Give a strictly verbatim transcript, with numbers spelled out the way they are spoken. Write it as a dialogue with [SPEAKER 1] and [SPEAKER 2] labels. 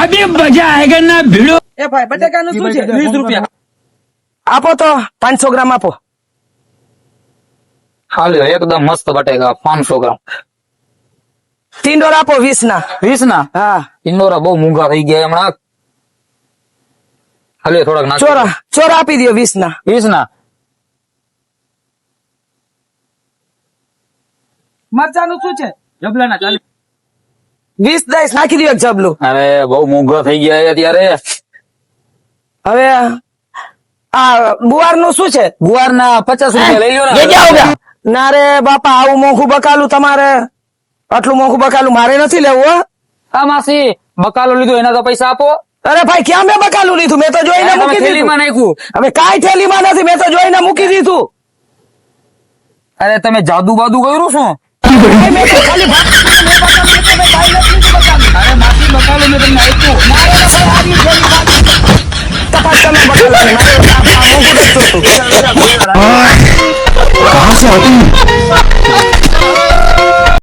[SPEAKER 1] अभी मजा आएगा ना भिड़ो।
[SPEAKER 2] એ ભાઈ બટેકાનું શું છે? વીસ રૂપિયા
[SPEAKER 3] આપો તો પાંચસો ગ્રામ આપો.
[SPEAKER 4] હાલ્યો એકદમ મસ્ત બટેકા પાંચસો ગ્રામ.
[SPEAKER 3] ટીંડોર આપો વીસ ના.
[SPEAKER 4] વીસ ના
[SPEAKER 3] હા
[SPEAKER 4] ઇન્દોરા બહુ મોંઘા થઈ ગયા હમણાં. હાલ્યો થોડાક નાખો.
[SPEAKER 3] ચોરા ચોરા આપી દો વીસ ના.
[SPEAKER 4] વીસ ના
[SPEAKER 2] મરચાનું શું છે? જબલાના ચાલીસ.
[SPEAKER 3] વીસ દઈશ નાખી દો એક જબલું.
[SPEAKER 4] અરે બહુ મોંઘા થઈ ગયા છે અત્યારે.
[SPEAKER 3] હવે આ ગુવાર નું શું છે?
[SPEAKER 4] ગુવાર ના પચાસ રૂપિયા લઈ લો
[SPEAKER 3] ये क्या हो
[SPEAKER 4] ને.
[SPEAKER 3] गया? ના રે બાપા આવું મોંઘું બકાલું તમારે આટલું મોંઘું બકાલું મારે નથી લેવું હો.
[SPEAKER 4] આ માસી બકાલો લીધો એના તો પૈસા આપો.
[SPEAKER 3] અરે ભાઈ ક્યાં મેં બકાલું લીધું? મેં તો જોઈને
[SPEAKER 4] તમે
[SPEAKER 3] મૂકી દીધું.
[SPEAKER 4] થેલીમાં નાખ્યું.
[SPEAKER 3] હવે કાંઈ થેલીમાં નથી, મેં તો જોઈને મૂકી દીધું.
[SPEAKER 4] અરે તમે જાદુ બાદુ કર્યું શું?
[SPEAKER 3] ભાઈ, મેં તો ખાલી ભાગ- મેં બકાલું લીધું, મેં કાંઈ નથી લીધું બકાલું.
[SPEAKER 4] અરે માસી બકાલો મેં તમને આપ્યું.
[SPEAKER 3] મારે તો ભાઈ આવી થેલી બાકી. તપાસ તમે બકાલાની. મારે આ- આ મોંઘું નથી જોતું.
[SPEAKER 1] कहाँ से आती